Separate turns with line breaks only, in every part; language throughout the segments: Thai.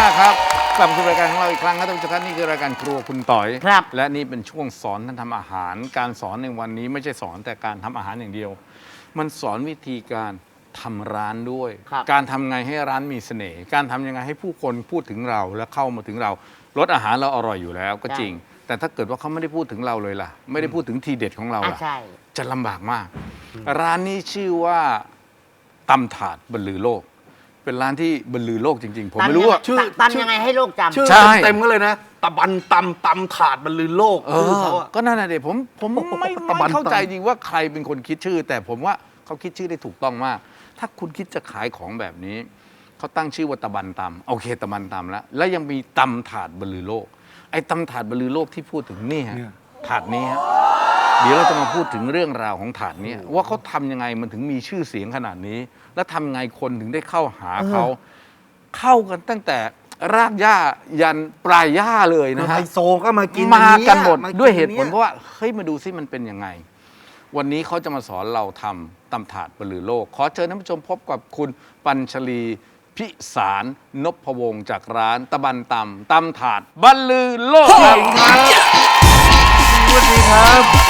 ากครับกลับมาสู่รายการของเราอีกครั้งครับท่านผู้ชมครับนี่คือรายการครัวคุณต่อย
ครับ
และนี่เป็นช่วงสอนท่านทำอาหารการสอนในวันนี้ไม่ใช่สอนแต่การทำอาหารอย่างเดียว มันสอนวิธีการทำร้านด้วย
ครับ
การทำไงให้ร้านมีเสน่ห์การทำยังไงให้ผู้คนพูดถึงเราและเข้ามาถึงเรารสอาหารเราอร่อยอยู่แล้วก็จริง แต่ถ้าเกิดว่าเขาไม่ได้พูดถึงเราเลยล่ะ ไม่ได้พูดถึงทีเด็ดของเราล่ะ
ใช่
จะลำบากมาก ร้านนี้ชื่อว่าตำถาดบรรลือโลก เป็นร้านที่บรรลือโลกจริง ๆ ผมไม่รู้ว่า
ตำยังไงให้โลกจำ
ชื่อ
ใช่
เต็มๆก็เลยนะตะบันตำถาดบรรลือโลกชื่อเขาอะ
ก็นั่นแหละเด็ผมไม่
ตะบัน
เข้าใจ
ตำ
จริงว่าใครเป็นคนคิดชื่อ แต่ผมว่าเขาคิดชื่อได้ถูกต้องมาก ถ้าคุณคิดจะขายของแบบนี้เขาตั้งชื่อว่าตะบันตำโอเคตะบันตำแล้วยังมีตำถาดบรรลือโลกไอ้ตำถาดบรรลือโลกที่พูดถึงนี่ฮะถาดนี้ฮะเดี๋ยวเราจะมาพูดถึงเรื่องราวของถาดนี้ว่าเขาทำยังไงมันถึงมีชื่อเสียงขนาดนี้ แล้วทำไงคนถึงได้เข้าหาเขาเข้ากันตั้งแต่รากหญ้ายันปลายหญ้าเลยนะ
ไฮ
ฮะ
โซก็มากิน
มากันหมด
อั
ด้วยเหตุผล
นี่
เพราะว่าเฮ้ยมาดูซิมันเป็นยังไง วันนี้เขาจะมาสอนเราทำตำถาดบรรลือโลก ขอเชิญท่านผู้ชมพบกับคุณปัญชลีพิสารนพวงศ์จากร้านตะบันตำถาดบรรลือโลกครับสวัสดีครับ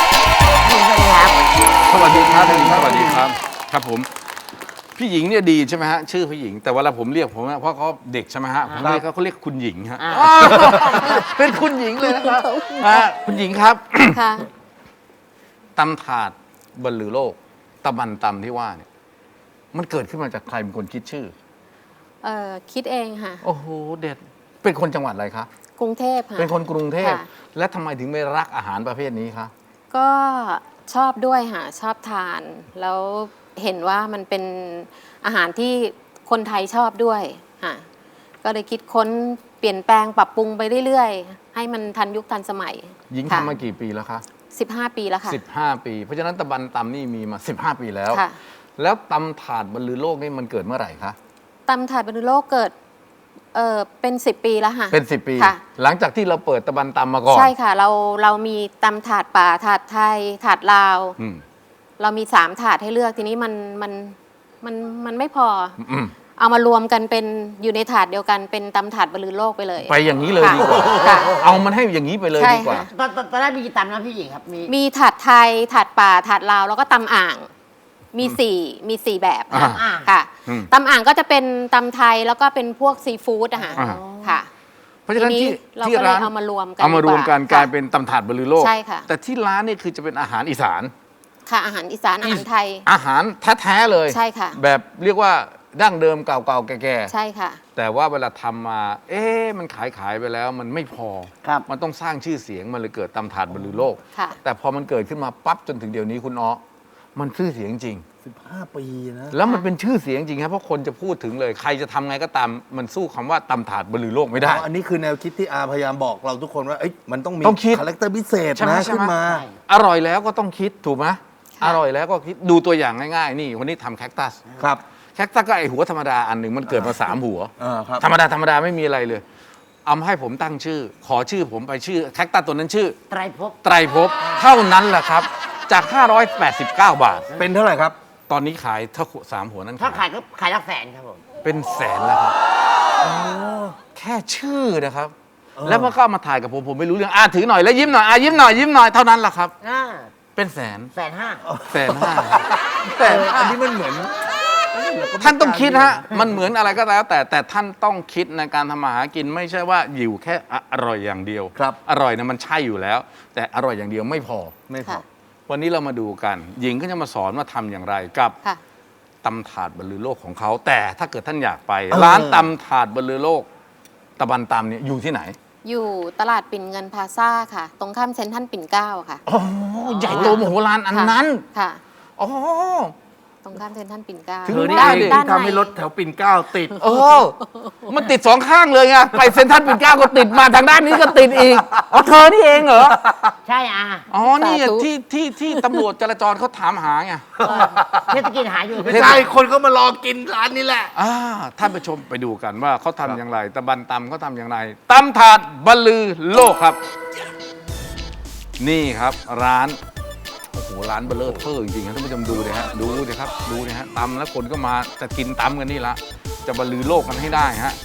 สวัสดีครับสวัสดีครับสวัสดีครับครับผมพี่หญิงเนี่ยดีใช่ไหมฮะชื่อพี่หญิงแต่เวลาผมเรียกผมเพราะเขาเด็กใช่ไหมฮะผมเรียกเขาเรียกคุณหญิงฮะเป็นคุณหญิงเลยนะครับคุณหญิงครับ
ค่ะ
ตำถาดบรรลือโลกตะบันตำที่ว่าเนี่ยมันเกิดขึ้นมาจากใครเป็นคนคิดชื่อ
คิดเองค่ะ
โอ้โหเด็ดเป็นคนจังหวัดอะไรคะ
กรุงเทพค่ะ
เป็นคนกรุงเทพ
ค่ะ
และทำไมถึงไม่รักอาหารประเภทนี้คะ
ก็ชอบด้วยค่ะ ชอบทาน แล้วเห็นว่ามันเป็นอาหารที่คนไทยชอบด้วยค่ะ ก็เลยคิดค้นเปลี่ยนแปลงปรับปรุงไปเรื่อยๆ ให้มันทันยุคทันสมัย
หญิง
ค่ะ
ทำมากี่ปีแล้วคะ
15 ปีแล้วค่ะ
15 ปี เพราะฉะนั้นตะบันตำนี่มีมา 15 ปีแล้ว
ค่ะ
แล้วตำถาดบรรลือโลกนี่มันเกิดเมื่อไหร่คะ
ตำถาดบรรลุโลกเกิดเป็น 10 ปีแล้วค่ะ
เป็น 10 ปี
ค่ะ
หลังจากที่เราเปิดตะบันตำมาก่อน
ใช่ค่ะ เรามีตำถาดป่าถาดไทยถาดลาว
อืม
เรามี3ถาดให้เลือกทีนี้มันไม่พอ
อืม
เอามารวมกันเป็นอยู่ในถาดเดียวกันเป็นตำถาดบรรลือโลกไปเลย
ไปอย่างนี้เลยดีกว่า
ค่ะ
เอามันให้อย่างนี้ไปเลย
ใช่
ดีกว่า
ค่ะ
ตอนแรกมีกี่ตำนะพี่หญิงครับ
มีถาดไทยถาดป่าถาดลาวแล้วก็ตำอ่างมีสี่แบบค่ะ
อ่า
ค่ะ
อืม
ตำอ่างก็จะเป็นตำไทยแล้วก็เป็นพวกซีฟู้ดอะค่ะ
อ่า
ค่ะ
เพราะฉะนั้น
ทีนี้
ที่
เรา
ที่
ก็เลย
ร้าน
เอามารวมกัน
เอามารวมกัน
ดีกว่า
กลายเป็นตำถาดบรรลือโลก
ใช่ค่ะ
แต่ที่ร้านนี่คือจะเป็นอาหารอีสาน
ค่ะอาหารอีสานอาหารไทย
อาหารแท้ๆเลย
ใช่ค่ะ
แบบเรียกว่าดั้งเดิมเก่าๆแก่
ใช่ค่ะ
ๆแต่ว่าเวลาทำมา มันขายไปแล้วมันไม่พอ
ครับ
มันต้องสร้างชื่อเสียงมันเลยเกิดตำถาดบรรลือโลก
ค่ะ
แต่พอมันเกิดขึ้นมาปั๊บจนถึงเดี๋ยวนี้คุณอ้อมันชื่อเสียงจริง
15 ปีนะ
แล้วมันเป็นชื่อเสียงจริงครับเพราะคนจะพูดถึงเลยใครจะทำไงก็ตามมันสู้คำว่าตำถาดบรรลือโลกไม่ได้
อันนี้คือแนวคิดที่อาพยายามบอกเราทุกคนว่าเอ้ยมันต้องมี
ต้องคิด
คาแรคเตอร์พิเศษ
ใช่ไหม
นะ
ใช่ไหม
ขึ้นมา
ใช่
อร่อยแล้วก็ต้องคิดถูกไหมอร่อยแล้วก็คิดดูตัวอย่างง่ายๆ นี่วันนี้ทำแคคตัส
ครับ
แคคตัสก็ไอหัวธรรมดาอันหนึ่งมันเกิดมา3 หัว
ครับ
ธรรมดาไม่มีอะไรเลย เอามาให้ผมตั้งชื่อ ขอชื่อผมไปชื่อแคคตัสตัวนั้นชื่อ
ไตรภพ
ไตรภพเท่านั้นแหละครับ จาก 589 บาท
เป็นเท่าไหร่ครับ
ตอนนี้ขายถ้า3 หัวนั้น
ถ้าขายก็ขายหลักแสนครับผม
เป็นแสนแล้วครับแค่ชื่อนะครับ แล้วมันก็เอามาถ่ายกับผมไม่รู้เรื่องถือหน่อยแล้วยิ้มหน่อยยิ้มหน่อยเท่านั้นแหละครับ เป็นแสน
150,000
แสนห้า
แต่อันนี้มันเหมือน
ท่านต้องคิดฮะ มันเหมือนอะไรก็แล้ว แต่ท่านต้องคิดในการทำมาหากินไม่ใช่ว่าอยู่แค่อร่อยอย่างเดียว
ครับ
อร่อยนะมันใช่อยู่แล้ว แต่อร่อยอย่างเดียวไม่พอ
ไม่พอ
ค่ะ
วันนี้เรามาดูกัน หญิงก็จะมาสอนว่าทำอย่างไรกับ
ค่ะ
ตำถาดบรรลือโลกของเขา แต่ถ้าเกิดท่านอยากไป ร้านตำถาดบรรลือโลก ตะบันตำเนี่ยอยู่ที่ไหน
อยู่ตลาดปิ่นเงินพลาซ่าค่ะ ตรงข้ามเซ็นทรัลปิ่นเกล้าค่ะ
อ๋อใหญ่โตมโหฬารอันนั้น
ค่ะ
อ๋อ
ตรงข้ามเซ็นทรัลปิ่นเกล้า
ถึง
เธอนี่
ได้
เอง
ดิ
ที่ทำให้รถแถวปิ่นเกล้าติด
เออ มันติด2 ข้างเลยไงไปเซ็นทรัลปิ่นเกล้าก็ติดมาทางด้านนี้ก็ติดอีกอ๋อเธอนี่เองเหรอ
ใช่อา
อ๋อ นี่
สาธุ
ที่ตำรวจจราจรเขาถามหาไง
เทศกิจหาอยู่
ไม่ใช่คนเขามารอกินร้านนี้แหละ
ท่านผู้ชมไปดูกันว่าเขาทำอย่างไรตะบันตำเขาทำอย่างไรตำถาดบรรลือโลกครับ นี่ครับร้าน โอ้โห ร้านเบลเลอร์เทอร์จริงๆครับท่านผู้ชมดูเลยฮะ ดูเลยครับ ดูนะฮะตำแล้วคนก็มาจะกินตำกันนี่ละ จะบรรลือโลกกันให้ได้ฮะ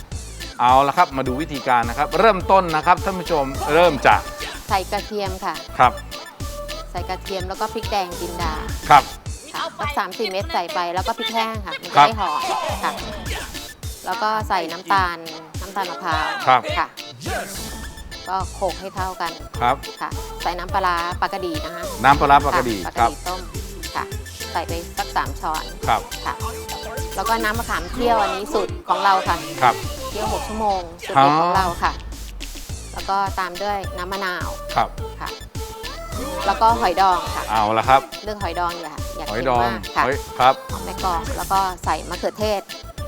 เอาละครับมาดูวิธีการนะครับ เริ่มต้นนะครับท่านผู้ชมเริ่มจาก
ใส่กระเทียมค่ะ
ครับ
ใส่กระเทียมแล้วก็พริกแดงจินดา
ครับ
ค่ะสัก3-4 เม็ดใส่ไปแล้วก็พริกแห้งค่ะ มัน
ครั
จะ
บ
ได้หอมค่ะ แล้วก็ใส่น้ำตาลมะพร้าว
ครับ
ค่ะ ก็โขลกให้เข้ากัน
ครับ
ค่ะ ใส่น้ำปลาร้าปลากระดีนะคะ
น้ำปลาร้าปลากระดี
ค่ะปลาก
ค
ระ
รับ
ดีต้มค่ะ ใส่ไปสัก3 ช้อน
ครับ
ค่ะ แล้วก็น้ำมะขามเคี่ยวอันนี้สูตรของเราค่ะ
ครับ
เคี่ยว6 ชั่วโมงสูตรเด็ดของเราค่ะ แล้วก็ตามด้วยน้ำมะนาว
ครับ
ค่ะ แล้วก็หอยดองค่ะ
เอาละครับ
เรื่องหอยดองอย่า
หอย
เค็ม
ดอง
มากค่ะ
หอยครับ
หอมแม่กอกแล้วก็ใส่มะเขือเทศ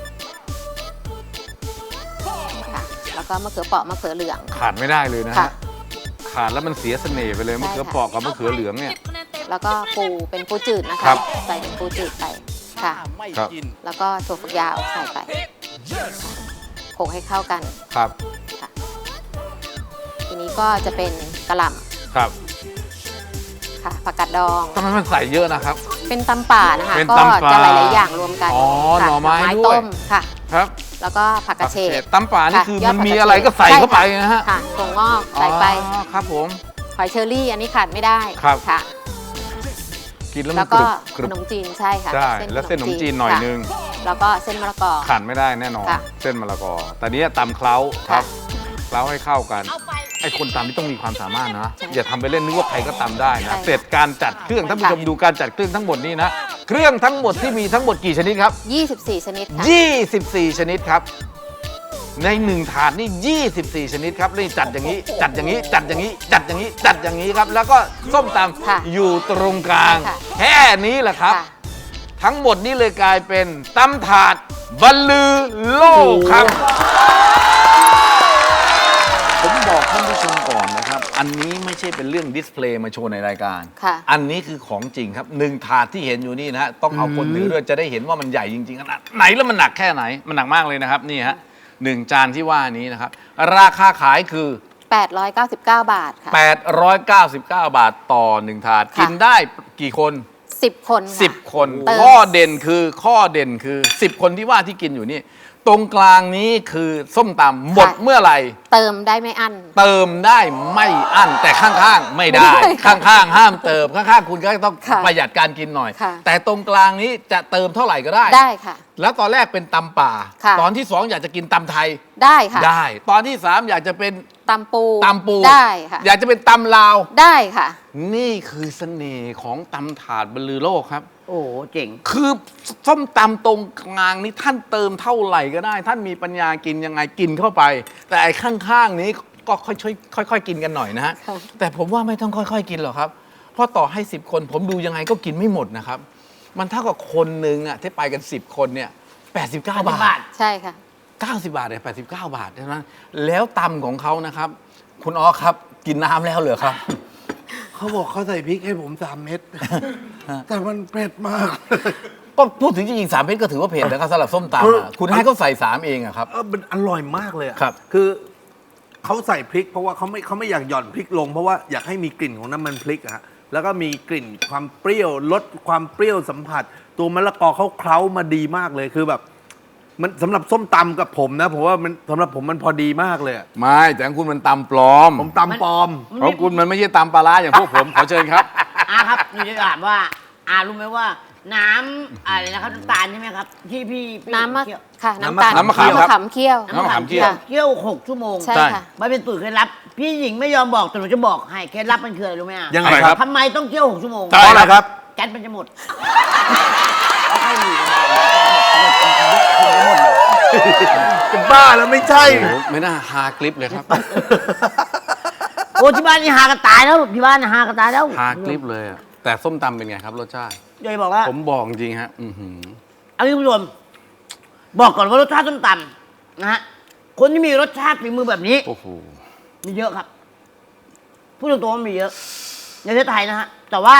ค่ะ แล้วก็มะเขือเปราะมะเขือเหลือง
ขาดไม่ได้เลยนะ
ค่ะ
ฮะขาดแล้วมันเสียเสน่ห์ไปเลย
ใช่
มะเขือ
ค่ะ
เปราะกับมะเขือเหลืองเนี่ย
แล้วก็ปูเป็นปูจืดนะ
ครั
คะ
บ
ใส่เป็นปูจืดไปค่ะ
ครับ
แล้วก็ถั่วฝักยาวใส่ไปโขลกให้เข้ากัน
ครับ
ค่ะ ทีนี้ก็จะเป็นกระหล่
ครับ
ำค่ะผักกาดดอง
ทำไมมันใส่เยอะนะครับ
เป็นตำป่านะคะ
เป็น
ก็
ตำป่า
จะหลาย ๆ อย่างรวมกัน
อ๋อ
ค่ะ
หน่อไม้ด้วย
ต้มค่ะ
ครับ
แล้วก็ผักกระเฉด
ตำป่านี่
ค่ะ
คือย
อ
มั
ด
น
ผัก
มี
กระเฉด
อะไรก็ใส่เข้าไป
ใช่
นะฮะ
ค่ะถั่วงอกใส่ไป
อ๋อครับผม
หอยเชอรี่อันนี้ขาดไม่ได้
ครับ
ค่ะ
กินแล้ว
แล้
มัน
วก็
กรึบ
ขนมจีนใช่ค่ะ
ใช่แล้วเส้นขนมจีนหน่อย
ค่ะ
นึง
แล้วก็เส้นมะละกอ
ขาดไม่ได้แน่นอน
ค่ะ
เส้นมะละกอแต่เนี้ยตำเคล้าครับ
ค่ะ
เคล้าให้เข้ากันไอ้คนตำนี่ต้องมีความสามารถนะ
ใช่
อย่าทำไปเล่นนึกว่าใครก็ตำได้
ใช่
นะ
ค่ะ
เสร็จการจัดเครื่องท่านผู้ชม
ค่ะ
ดูการจัดเครื่องทั้งหมดนี่นะเครื่องทั้งหมดที่มีทั้งหมดกี่ชนิดครับ
24 ชนิดค่ะ
24 ชนิดครับ ในหนึ่งถาดนี่ 24 ชนิดครับนี่จัดอย่างนี้ จัดอย่างนี้ จัดอย่างนี้ จัดอย่างนี้ จัดอย่างนี้ครับ แล้วก็ส้มต
ค่ะ
ำอยู่ตรงกลาง
ค่ะ
แค่นี้แหละครับ
ค่ะ
ทั้งหมดนี้เลยกลายเป็นตำถาดบรรลือโลกครับ ผมบอกท่านผู้ชมก่อนนะครับ อันนี้ไม่ใช่เป็นเรื่องดิสเพลย์มาโชว์ในรายการ
ค่ะ
อันนี้คือของจริงครับหนึ่งถาดที่เห็นอยู่นี่นะฮะต้องเอาคนถือด้วยจะได้เห็นว่ามันใหญ่จริงๆขนาดไหนแล้วมันหนักแค่ไหน มันหนักมากเลยนะครับนี่ฮะหนึ่งจานที่ว่านี้นะครับ ราคาขายคือ
899 บาทค่ะ
899 บาทต่อหนึ่งถาด
ค่ะ
กินได้กี่คน
10 คนค่ะ
10 คน
เติม
ข้อเด่นคือ10 คนที่ว่าที่กินอยู่นี่ ตรงกลางนี้คือส้มตำหมดเมื่อไหร่
เติมได้ไม่อั้น
เติมได้ไม่อั้นแต่ข้างๆ ไม่ได้
ไม่ได้ค่ะ
ข้างๆ ห้ามเติมข้างๆ คุณก็ต้อง
ค่ะ
ประหยัดการกินหน่อย
ค่ะ
แต่ตรงกลางนี้จะเติมเท่าไหร่ก็ได้
ได้ค่ะ
แล้วตอนแรกเป็นตำป่า
ค่ะ
ตอนที่ 2 อยากจะกินตำไทย
ได้ค่ะ
ได้ ตอนที่ 3 อยากจะเป็น
ตำปู
ตำปู
ได้ค่ะ
อยากจะเป็นตำลาว
ได้ค่ะ
นี่คือเสน่ห์ของตำถาดบรรลือโลกครับ
โอ้โหเจ๋ง
คือส้มตำตรงกลางนี้ท่านเติมเท่าไหร่ก็ได้ ท่านมีปัญญากินยังไงกินเข้าไป แต่ไอ้ข้างๆนี้ก็ค่อยๆกินกันหน่อยนะฮะ
ค่ะ
แต่ผมว่าไม่ต้องค่อยๆกินหรอกครับ เพราะต่อให้ 10 คนผมดูยังไงก็กินไม่หมดนะครับ มันเท่ากับคนหนึ่งอะที่ไปกัน 10 คนเนี่ย89 บาท
ใช่ค่ะ
90 บาทเนี่ย89 บาทเท่านั้นแล้วตำของเขานะครับ คุณอ๋อครับกินน้ำแล้วเหรอครับ
เขาบอกเขาใส่พริกให้ผม3 เม็ด แต่มันเผ็ดมาก
ก็พูดถึงจริงๆ3 เม็ดก็ถือว่าเผ็ดนะครับสำหรับส้มตำอะคุณให้เขาใส่ 3 เองอะครับ
มันอร่อยมากเลยอะ
ครับ
คือเขาใส่พริกเพราะว่าเขาไม่อยากหย่อนพริกลง เพราะว่าอยากให้มีกลิ่นของน้ำมันพริกอะฮะแล้วก็มีกลิ่นความเปรี้ยวลดความเปรี้ยวสัมผัส ตัวมะละกอเขาเคล้ามาดีมากเลยคือแบบ มันสำหรับส้มตำกับผมนะผมว่ามันสำหรับผมมันพอดีมากเลยอะ
ไม่แต่ของคุณมันตำปลอม
ผมตำปลอม
ของคุณมันไม่ใช่ตำปลาร้าอย่างพวกผม ขอเชิญครับ
อาครับหนูจะถามว่าอารู้ไหมว่าน้ำอะไรนะครับน้ำตาลใช่ไหมครับ ที่พี่
น้ำมะ
เคี่ยว
ค่ะ
น้ำ
น้ำตาล
น้ำมะขามครับ
ขามเคี่ยว
น้ำมะขามเคี่ยว
เคี่ยว6 ชั่วโมง
ใช่ค่ะ
มันเป็นสูตรเคล็ดลับ พี่หญิงไม่ยอมบอกแต่หนูจะบอกให้เคล็ดลับมันคืออะไรรู้ไหมอ่ะ
ยังไงครับ
ทำไมต้องเคี่ยว6 ชั่วโมง
เพราะอะไรครับ
แก๊สมันจะหมด
จะบ้าแล้วไม่ใช่
โอ้โหไม่น่าฮาคลิปเลยครับ
โอ้ที่บ้านนี่หากันตายแล้วที่บ้านนี่หากันตายแล้ว
ฮาคลิปเลยอะแต่ส้มตำเป็นไงครับรสชาติ
เดี๋ยวจะบอกว่า
ผมบอกจริงฮะ อื้อหือ
เอางี้คุณผู้ชมบอกก่อนว่ารสชาติส้มตำนะฮะคนที่มีรสชาติฝีมือแบบนี้
โอ้โห
มีเยอะครับพูดตรงๆว่ามีเยอะในประเทศไทยนะฮะแต่ว่า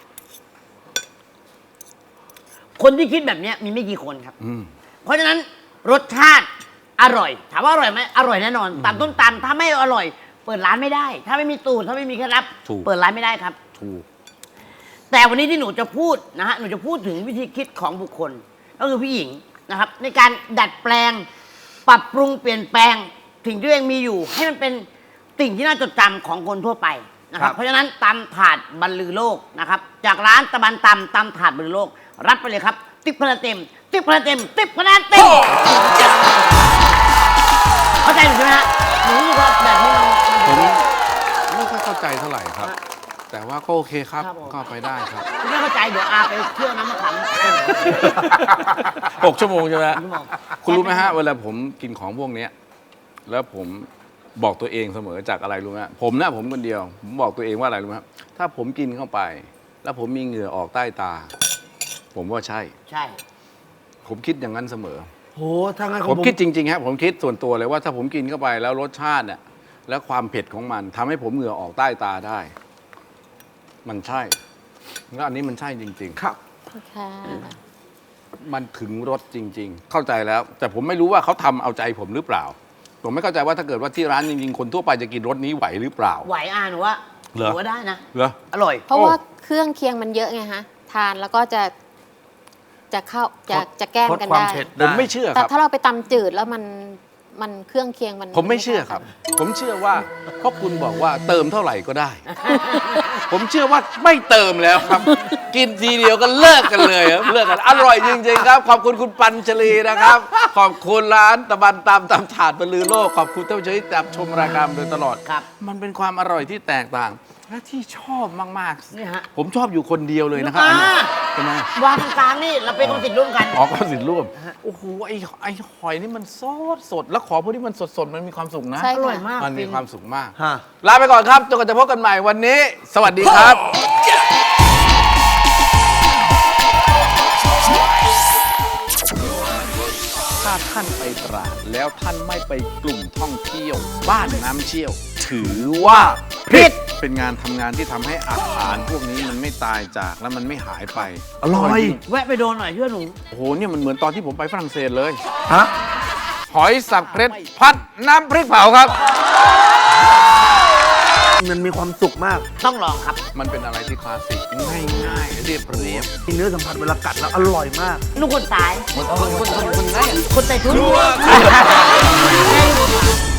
คนที่คิดแบบเนี้ยมีไม่กี่คนครับ
อืม
เพราะฉะนั้นรสชาติอร่อย ถามว่าอร่อยไหมอร่อยแน่นอนตำต้มตำถ้าไม่อร่อย เปิดร้านไม่ได้ ถ้าไม่มีตูดถ้าไม่มีเคล็ดลับ
ถูก
เปิดร้านไม่ได้ครับ
ถูก
แต่วันนี้ที่หนูจะพูดนะฮะหนูจะพูดถึงวิธีคิดของบุคคล ก็คือพี่หญิงนะครับ ในการดัดแปลงปรับปรุงเปลี่ยนแปลงสิ่งที่ตัวเองมีอยู่ ให้มันเป็นสิ่งที่น่าจดจำของคนทั่วไปนะครับ เพราะฉะนั้นตำถาดบรรลือโลกนะครับจากร้านตะบันตำถาดบรรลือโลก รับไปเลยครับติ๊บคะแนนเต็มติ๊บคะแนนเต็มติ๊บคะแนนเต็มเข้าใจหรือใช่ไหมฮะหนูรู้สึกว่าแบบนี้มัน
ผมไม่ค่อยเข้าใจเท่าไหร่ครับ แต่ว่าก็โอเคครับ
ครับผม
ก็ไปได้ครับ
ไม่เข้าใจเดี๋ยวอาไปเที่ยวน้ำมะขาม
6 ชั่วโมงใช่ไหมฮะ
ชั่วโมง
คุณรู้ไหมฮะเวลาผมกินของพวกเนี้ยแล้วผมบอกตัวเองเสมอจากอะไรรู้ไหมฮะผมคนเดียว ผมบอกตัวเองว่าอะไรรู้ไหมครับถ้าผมกินเข้าไป แล้วผมมีเหงื่อออกใต้ตา ผมว่าใช่
ใช่
ผมคิดอย่างนั้นเสมอ
โหถ้างั้นข
ผ
อง
มคิดจริงๆครับผมคิดส่วนตัวเลยว่าถ้าผมกินเข้าไปแล้วรสชาติเนี่ยแล้วความเผ็ดของมันทำให้ผมเหงื่อออกใต้ตาได้ มันใช่แล้วอันนี้มันใช่จริง
ครับ
ค่ะ
ๆ มันถึงรสจริง ๆ เข้าใจแล้ว แต่ผมไม่รู้ว่าเขาทำเอาใจผมหรือเปล่า ผมไม่เข้าใจว่าถ้าเกิดว่าที่ร้านจริงๆคนทั่วไปจะกินรสนี้ไหวหรือเปล่า
ไหวอาหนูว่า
เหรอ
หนูว่าได้นะ
เหรอ
อร่อย
เพราะว่าเครื่องเคียงมันเยอะไงฮะทานแล้วก็จะเข้าจะแกล้มกัน
ลดความ
ได้
เผ็ด
ผมไม่เชื่อค
แต่
รับ
ถ้าเราไปตำจืดแล้วมันเครื่องเคียงมัน
ผมไม่เชื่อครับ ผมเชื่อว่าเพราะคุณบอกว่าเติมเท่าไหร่ก็ได้ ผมเชื่อว่าไม่เติมแล้วครับ กินทีเดียวก็เลิกกันเลยครับเลิกกันอร่อยจริงๆครับ ขอบคุณคุณปัญชลีนะครับ ขอบคุณร้านตะบันตำถาดบรรลือโลกขอบคุณท่านผู้ชมที่ติดตามชมรายการมาโดยตลอด
ครับ
มันเป็นความอร่อยที่แตกต่าง และที่ชอบมาก
นี่ฮะ
ๆ ผมชอบอยู่คนเดียวเลยนะครับ
อ่า
อันนี้ทำไม
วางตรงกลางนี่เราเป็นคนติดร่วมกัน
อ๋อก็สินร่วมโอ้โหไอ้หอยนี่มันสดแล้วขอพวกที่มันสดมันมีความสุขนะ
ใช่
อร่อย
ค่ะ
มาก
มันมี
ฟิน
ความสุขมาก
ฮะ
ลาไปก่อนครับจนกว่าจะพบกันใหม่วันนี้ สวัสดีครับ ถ้าท่านไปตราดแล้วท่านไม่ไปกลุ่มท่องเที่ยว บ้านน้ำเชี่ยว ถือว่าผิดเป็นงานทำงานที่ทำให้อาหารพวกนี้มันไม่ตายจากและมันไม่หายไป
อร่อย
จง
แวะไปโดนหน่อยเชื่อหนู
โอ้โหเนี่ยมันเหมือนตอนที่ผมไปฝรั่งเศสเลย
ฮะ
หอยสับเพชรพัดน้ำพริกเผาครับ
มันมีความสุขมาก
ต้องลองครับ
มันเป็นอะไรที่คลาสสิกง่ายๆเรียบเรียบ
มีเนื้อสัมผัสเวลากัดแล้วอร่อยมาก
ลูกคนตาย
คนง่าย
คนไต่ทุน